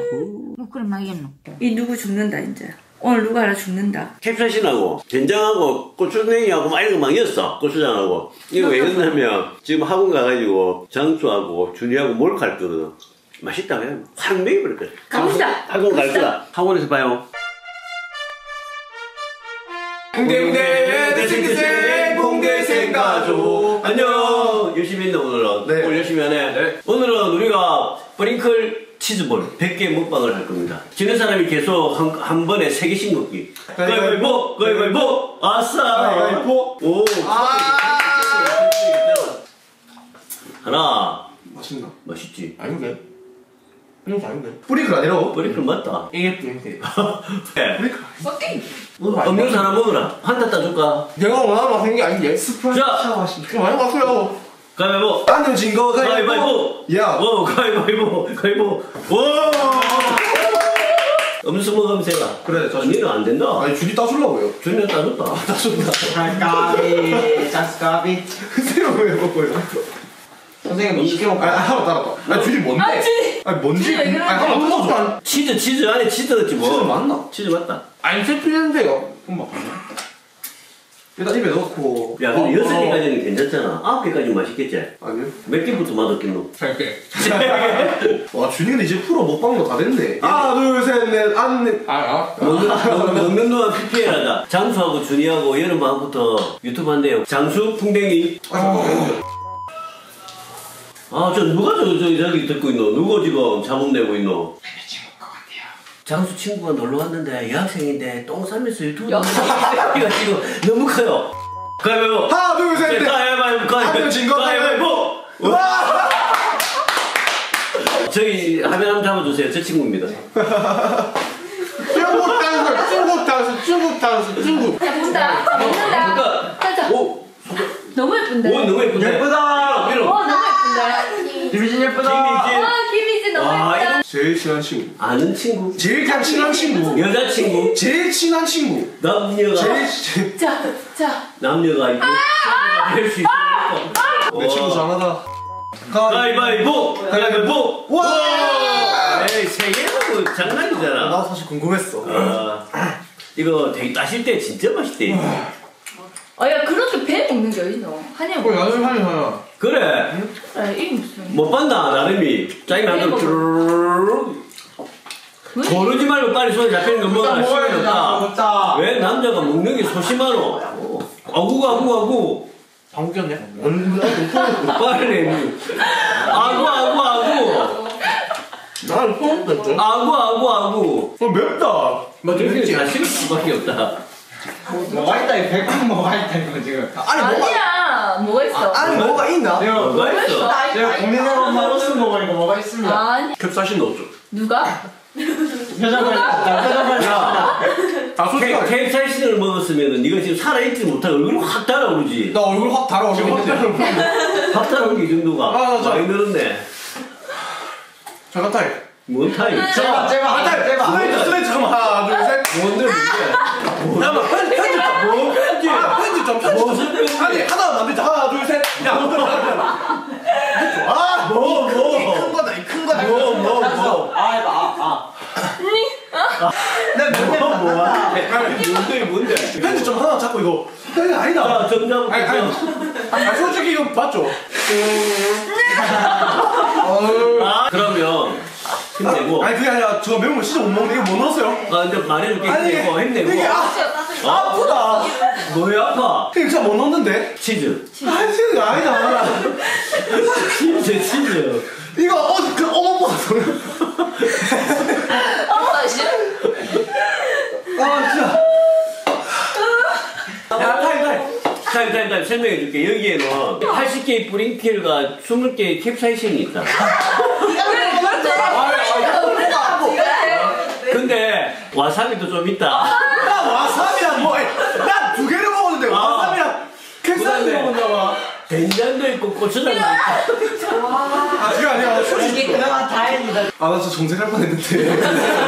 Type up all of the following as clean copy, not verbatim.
뭐 그럼 알겠노. 이 누구 죽는다 이제. 오늘 누가 하나 죽는다. 캡사이신하고 된장하고 고추냉이하고 막 이런 거 막 였어. 고추장하고. 이거 왜 였냐면 지금 학원 가가지고 장수하고 준이하고 몰카를 거거든. 맛있다 그냥 확 먹여버렸거든. 가봅시다. 학원 갈 거다. 학원에서 봐요. 홍대홍대 대생대생 홍대생 가족 안녕. 열심히 했네 오늘은. 네. 오늘 열심히 하네. 네. 오늘은 우리가 브링클 치즈볼 100개 먹방을 할 겁니다. 지는 사람이 계속 한 번에 3개씩 먹기. 가위바위보! 가위바위보! 아싸! 가위바위보! 오! 아! 하나. 맛있나? 맛있지? 아닌데? 이거 아닌데? 뿌리클 아니라고? 브링클 맞다. 이게 뿌리클. 네. 뿌리클 썩게. 음료수 하나 먹으라. 한타 따줄까? 내가 원하는 맛인 게 아닌데? 스프라이트 자! 맛있게 많이 맛있어요. 가위바위보! 안 진 거 가위바위보! 야! 오! 가위바위보! 가위바위보! 오! 음수 먹으면 되나? 그래, 자, 니는 안 된다. 아니 줄이 따주려고요. 준이는 따줬다. 따준다. 까비 짠스까비 새로 왜 먹어요? 선생님 시켜먹고 하나 따랐다. 아니 줄이 뭔데? 아, 줄이! 아니 뭔지? 줄이 왜 그러는데? 아니 하나 먹어줘. 안 치즈 안에 치즈 넣었지 뭐. 치즈 맞나? 치즈 맞다. 안 씹히는데요. 엄마. 일단 입에 넣고. 야 근데 6개까지는 괜찮잖아. 9개까지는 맛있겠지? 아니요. 몇 개부터 맛없겠노? 3개. 와 준이 근데 이제 프로 먹방도 다 됐네. 하나 둘셋넷 안. 먹는 동안 PPL하자. 장수하고 준이하고 여름방부터 유튜브 한대요. 장수 풍뎅이. 아 저 누가 저기 듣고 있노? 누가 지금 자문 내고 있노? 장수 친구가 놀러 왔는데 여학생인데 똥 싸면서 유튜브 여학생이가 지금 너무 커요. 가위바위보. 하나 둘셋넷 가위바위보. 가위바위보. 와! 저희 화면 한번 잡아주세요. 저 친구입니다. 중국 단수. 자, 본다. 자, 먹는다. 자, 오! 너무 예쁜데? 오 너무 예쁜데? 예쁘다. 이런. 너무 예쁜데? 김희진 예쁘다. 김희진 너무 와, 예쁘다. 제일 친한 친구. 아는 친구? 제일 그냥 친한 친구. 여자친구? 제일 친한 친구. 남녀가 자. 남녀가 이제 할수 있으니까 내 친구 잘하다. 가위바위보! 가위바위보! 와! 에이 3개는 장난이잖아. 나 사실 궁금했어. 이거 되게 따실 때 진짜 맛있대. 야, 그렇게 배 먹는 게 어딨노? 한약 먹어. 나중에 하냐. 그래 이게 무슨. 못 봤나 나름이 짜증 나도 쭈르르르 고르지 말고 빨리 손에 잡히는 거 먹어라. 시간이 없다. 먹자. 왜 남자가 먹는 게 소심하노? 아구 방귀 꼈냐? 빨리 아구 나는 처음 뺐죠. 아구 맵다. 맞아 이게 다 싫을 수밖에 없다. 뭐가 있다 이 백분 뭐가 있다 이거 지금. 아니야. 뭐가 있어? 아니 뭐가 있나? 뭐가 있어? 제가 고민해본 바로 쓴 거가 이거 뭐가 있습니다. 아니. 캡사이신 넣었죠? 누가? 표정을 아 솔직히 캡사이신을 먹었으면 네가 지금 살아있지 못하고 얼굴이 확 달아오르지. 나 얼굴 확 달아오르고 있는데. 확 달아오른 이 정도가 많이 늘었네. 잠깐 타임. 뭔 타임? 제발 스트레이트 잠깐만. 하나 둘 셋. 뭔데 문제? 잠깐만 편집 좀. 뭐 편집? 편집 좀 편집 좀. 무슨 편집? 아니 하나 만들자. 하나 둘 셋. 야. 뭐? 큰 거다 이 큰 거다. 뭐? 뭔데? 편집 좀 하나 잡고 이거. 이거 아니다. 자, 점점. 아니 솔직히 이거 맞죠? 그러면 힘내고. 아니 그게 아니라 저 매운 거 진짜 못 먹는데 이거 뭐 넣었어요? 근데 말해줄게. 아니, 힘내고. 이게 아프다. 뭐야 아파? 이거 진짜 못 넣었는데? 치즈. 아니 치즈가 아니다. 치즈. 이거 어머머 소리. 싫어? 아 진짜. 야 타임 설명해줄게. 여기에는 80개의 브링킬과 20개의 캡사이신이 있다. 근데 와사비도 좀 있다. 나 와사비랑 나 2개를 먹었는데 와사비랑 캡사이신 먹었나봐. 된장도 있고 고추장도 있고. 아 그게 아니야. 이게 그나마 다행이다. 아 나 진짜 정색할 뻔했는데.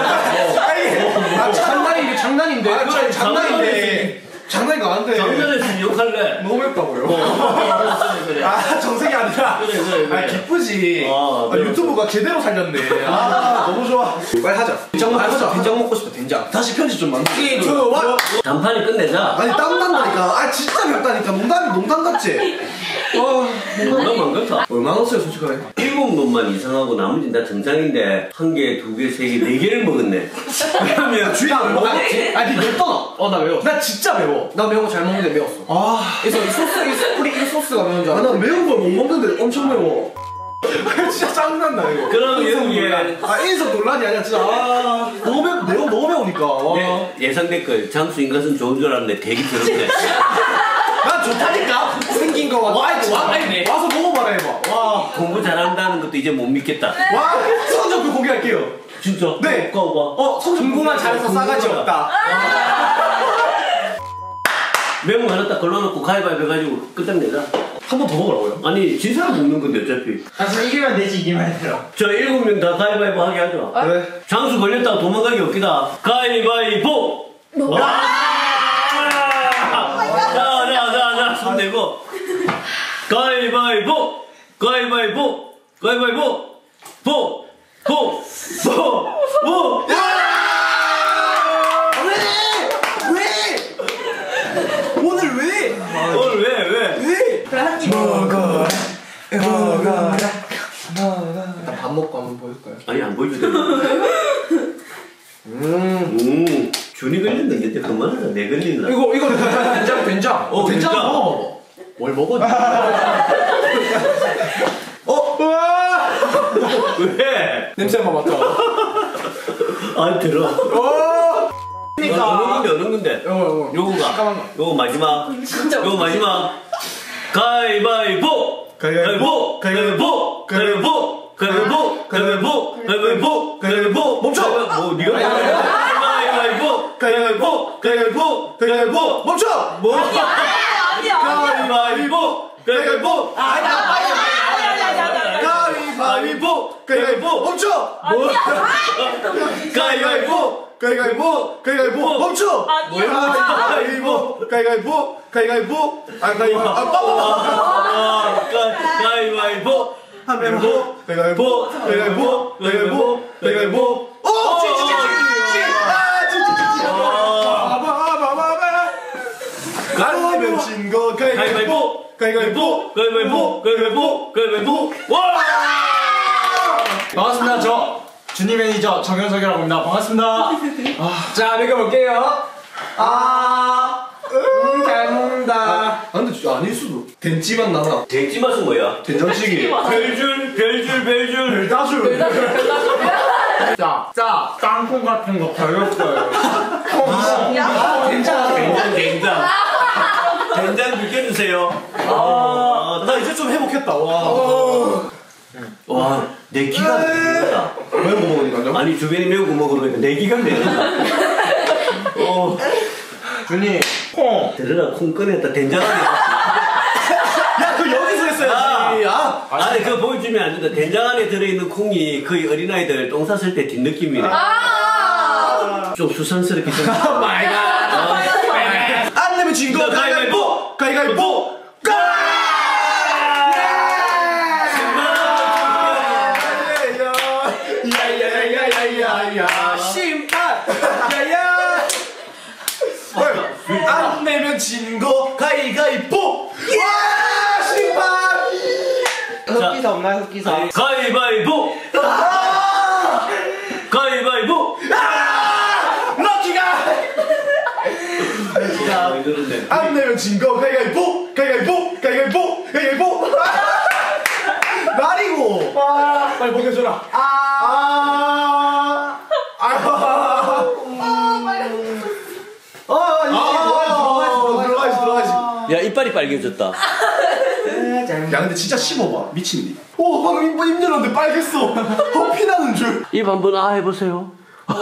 장난인데 장난인데. 아 장난인데. 장난인 거 아는데. 장난에서 욕할래. 너무 맵다고요. 그래. 아 정색이 아니라. 그래. 아 기쁘지. 그래. 유튜브가 제대로 살렸네. 아 너무 좋아. 빨리 하자. 된장 먹고 싶다. 된장 먹고 싶다. 된장. 다시 편집 좀 만들어. 단판이 끝내자. 아니 땀 난다니까. 아 진짜 맵다니까. 농담 같지? 농담 안 같아. 얼마 넣었어요 솔직하게? 7놈만 이상하고 나머지는 다 정상인데 1개, 2개, 3개, 4개를 먹었네. 그러면 주인 안 먹었지? 아니 맵더라. 나 매워. 나 진짜 매워. 나 매운 거 잘 먹는데 매웠어. 그래서 이 소스, 이 소스가 매운 줄 알아. 나 매운 걸 못 먹는데 엄청 매워. 진짜 짜증난다 이거. 그럼 여기에 인성 논란이 아니야 진짜. 너무 매우니까. 예상 댓글 장수 인간은 좋은 줄 알았는데 되게 더럽네. 난 좋다니까. 생긴 거 와서 먹어봐라 해봐. 와 공부 잘한다는 것도 이제 못 믿겠다. 성적표 공개할게요. 진짜? 네. 까봐. 공부만 잘해서 싸가지 없다. 매운 거 하나 딱 걸러놓고 가위바위보 해가지고 끝장내자. 한 번 더 먹으라고요? 아니 진 사람 먹는 건데 어차피. 사실 이기면 되지 이기면 돼요. 저 7명 다 가위바위보 하게 하죠. 그래. 장수 걸렸다가 도망가기 없기다. 가위바위보! 자, 손 내고. 가위바위보! 가위바위보! 가위바위보! 보! 오늘 왜? 오늘 왜? 그래 한 입. 먹어라. 일단 밥 먹고 한번 보여줄까요? 아니 안 보여주대. 준이 걸렸는데 그만하자. 내 걸린다. 이거 된장. 된장 된장. 먹어봐봐. 뭘 먹어? 왜? 냄새만 맡아. 안 들어. 어느 건데? 요거. 요거가. 잠깐만. 요거 마지막. 진짜 요거 마지막. 가위바위보! 가위바위보! 가위바위보! 가위바위보! 가위바위보! 가위바위보! 가위바위보! 가위바위보! 멈춰! 뭐 니가 가위바위보! 가위바위보! 가위바위보! 가위바위보! 멈춰! 뭐? 아니야. 가위바위보! 가위바위보! 가위바위보! 가위바위보! 멈춰! 가위바위보! 가위바위보! 가위바위보! 멈춰! 가위바위보! 가위바위보! 가위바위보! 가위바위보! 가위바위보! 가위바위보! 가위바위보! 가위바위보! 가위바위보! 가위바위보! 진거 가위바위보! 가위바위보! 가위바위보! 가위바위보! 가위바위보! 와! 반갑습니다. 저 준이 매니저 정현석이라고 합니다. 반갑습니다. 자 먹여볼게요. 잘 먹는다. 근데 진짜 아닐 수도. 된찌만 나나. 돼지 맛은 뭐야? 된장찌개. 별줄. 따줄. 자 땅콩 같은 거 별렸어요. 된장. 된장 느껴주세요. 나 이제 좀 회복했다. 와, 내 기가 막힌다. 매운 거 먹으니까요? 아니 주변에 매운 거 먹으니까 내 기가 막힌다. 준이 콩. 들으라 콩 꺼냈다 된장 안에. 야, 그거 여기서 했어야지. 아니 그거 보여주면 안 된다. 된장 안에 들어있는 콩이 거의 어린아이들 똥 쌌을 때 뒷느낌이네. 좀 수상스럽게 생겼어. 마이 갓. 안 내면 진 거 가위바위보! 가위바위보! 야야야야야야 심판! 야야! 안 내면 진 거 가위바위보! 와! 심판! 흑기사 없나요 흑기사? 가위바위보! 가위바위보! 럭키가! 왜 그런데? 안 내면 진 거 가위바위보! 가위바위보! 가위바위보! 가위바위보! 말이고! 빨리 먹여줘라! 들어가야지. 야 이빨이 빨개졌다. 야 근데 진짜 씹어봐 미친디. 오 방금 입 열었는데 빨갰어. 피나는 줄. 입 한번 해보세요.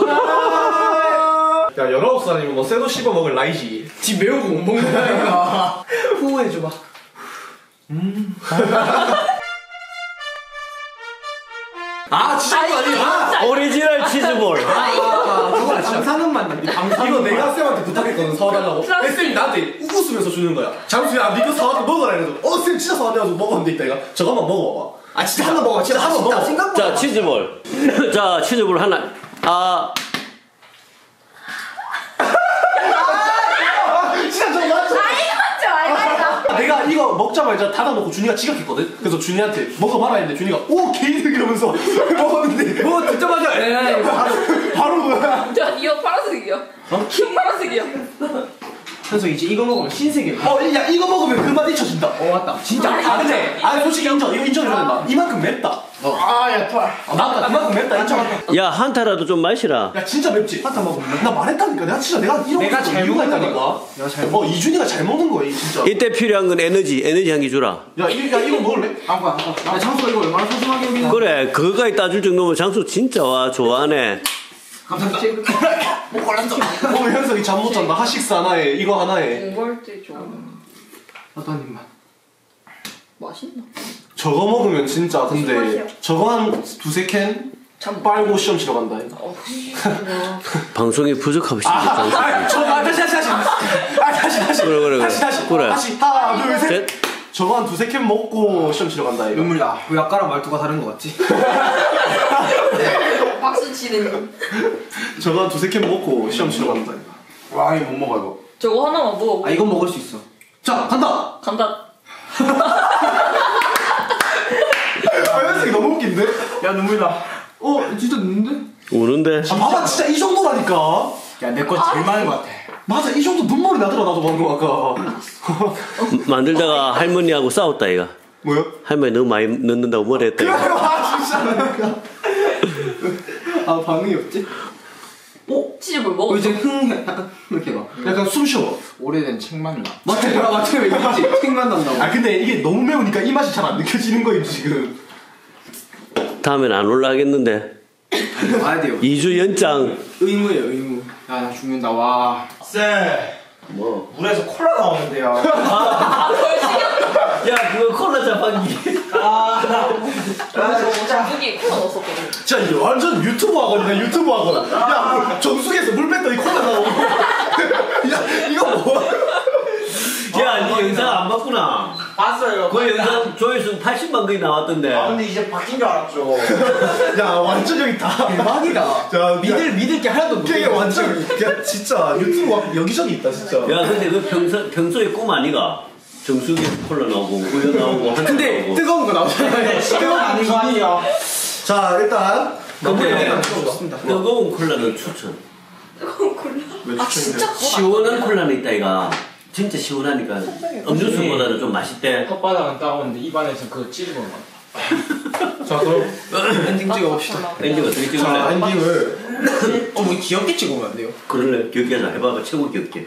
야 19살이면 뭐 쇠도 씹어 먹을 나이지. 지 매운 거 못 먹는다니까. 후회해줘봐. 진짜 이거 아니야. 오리지널 치즈볼. 저거 방사능 맛난데. 이거 내가 쌤한테 부탁했거든 사와달라고. 쌤이 나한테 웃으면서 주는 거야. 잠수야 니거 사와서 먹어라 이래서 쌤 진짜 사와가지고 먹었는데 이따 이거 저거 한번 먹어봐봐. 진짜 한번 먹어봐. 진짜 한번 먹어. 자 치즈볼. 자 치즈볼 하나. 진짜 저거 맞죠? 맞죠? 내가 이거 먹자마자 닫아놓고 준이가 지각했거든? 그래서 준이한테 먹어봐라 했는데 준이가 오 개이득 이러면서 먹었는데 뭐 듣자마자 바로 뭐야. 저 이거 파란색이요. 흰 파란색이요. 현석 이제 이거 먹으면 신세계. 야 이거 먹으면 그 맛 잊혀진다. 맞다. 진짜. 근데 솔직히 인정. 이거 인정해줘야 된다. 이만큼 맵다. 아야 토할. 나 이만큼 맵다 인정한다. 야 한타라도 좀 마시라. 야 진짜 맵지? 한타 먹으면 나 말했다니까. 내가 이런 내가 거 잘 이유가 먹는다니까. 있다니까. 내가 잘 먹. 이준이가 잘 먹는 거야 진짜. 이때 필요한 건 에너지 한 개 주라. 야 이거 먹을래? 아빠. 야 장수가 이거 얼마나 소중하게 여기나. 그래 그거까지 따줄 정도면 장수 진짜 와 좋아하네. 감사합니다. 못 골랐어. 오늘 현석이 잠 못 잔다. 하식스 하나에 이거 하나에. 공부할 때 좀 어떤 입맛? 맛있나? 저거 먹으면 진짜 무슨 근데 맛이야? 저거 한 두세 캔 참 빨고 시험 치러 간다. 방송이 부족하고 싶다 장수. 다시. 그래. 다시 하나 둘 셋. 셋. 저거 한 두세 캔 먹고 시험 치러 간다 이거. 눈물이다. 왜 아까랑 말투가 다른 거 같지? 박수 치는. 저거 한 두세 캔 먹고 시험 치러 간다 이거. 와 이거 못 먹어 이거. 저거 하나만 먹어. 아 이건 먹을 수 있어. 자 간다. 간다. 현석이 너무 웃긴데? 야 눈물이다. 진짜 눈는데? 우는데. 봐봐 진짜 이 정도라니까. 야 내 거 제일 많은 거 같아. 맞아 이 정도 눈물이 나더라 나도 방금 아까. 만들다가 할머니하고 싸웠다 이가. 뭐요? 할머니 너무 많이 넣는다고 뭐라 했다 이가. 진짜. 아 반응이 없지? 치즈볼 먹어. 이제 약간 이렇게 봐. 약간 숨 쉬어. 오래된 책만 나. 맞지 왜 이거지? 책만 난다고. 아 근데 이게 너무 매우니까 이 맛이 잘 안 느껴지는 거임 지금. 다음엔 안 올라가겠는데. 와야 돼요. 2주 연장. 의무예요 의무. 야 나 죽는다 와. 쌤, 뭐? 물에서 콜라 나오는데요. 야 그거 콜라 자판기. 정수기 콜라 넣었었거든. 진짜 이게 완전 유튜브 하거든요 유튜브 하거든. 야 정수기에서 물 뺐더니 콜라 나오고. 야 이거 뭐야? 야, 니 영상 안 봤구나. 봤어요. 그 영상 조회수 80만 거의 나왔던데. 근데 이제 바뀐 줄 알았죠. 야 완전 여기 다 대박이다. 자 믿을 게 하나도 없어. 이게 완전 야 진짜 유튜브 여기저기 있다 진짜. 야, 근데 그 평소에 꿈 아니가? 정수기 콜라 나오고, 우유 나오고, 한잔 근데 나오고. 뜨거운 거 나오잖아요. 시간 아닌 거 아니에요? 자 일단 근데 뜨거운 콜라는 추천. 뜨거운 콜라. 아 진짜? 시원한 콜라는 있다 이가. 진짜 시원하니까 음료수보다는 좀 맛있대. 혓바닥은 따가운데 입안에서 그거 찌르는 거. 자 그럼 엔딩 찍어봅시다. 엔딩 어떻게 자 찍을래? 엔딩을 뭐 귀엽게 찍으면 안 돼요? 그럴래? 귀엽게 하자. 해봐봐. 최고 귀엽게.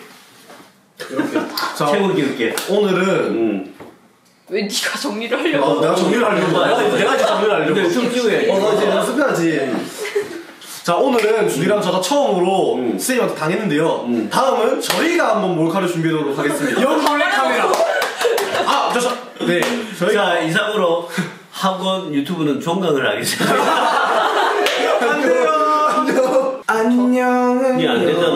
자 최고 귀엽게. 오늘은 왜 네가 정리를 하려고? 내가 정리를 하려고. 내가 이제 정리를 하려고. 근데 좀 찍어야지. 나 이제 연습해야지. 자 오늘은 준이랑 저가 처음으로 선생님한테 당했는데요. 다음은 저희가 한번 몰카를 준비해보도록 하겠습니다. 영몰래 카메라. 네 저희가 자, 이상으로 학원 유튜브는 종강을 하겠습니다. 안녕. 안녕은 니 안 되잖아.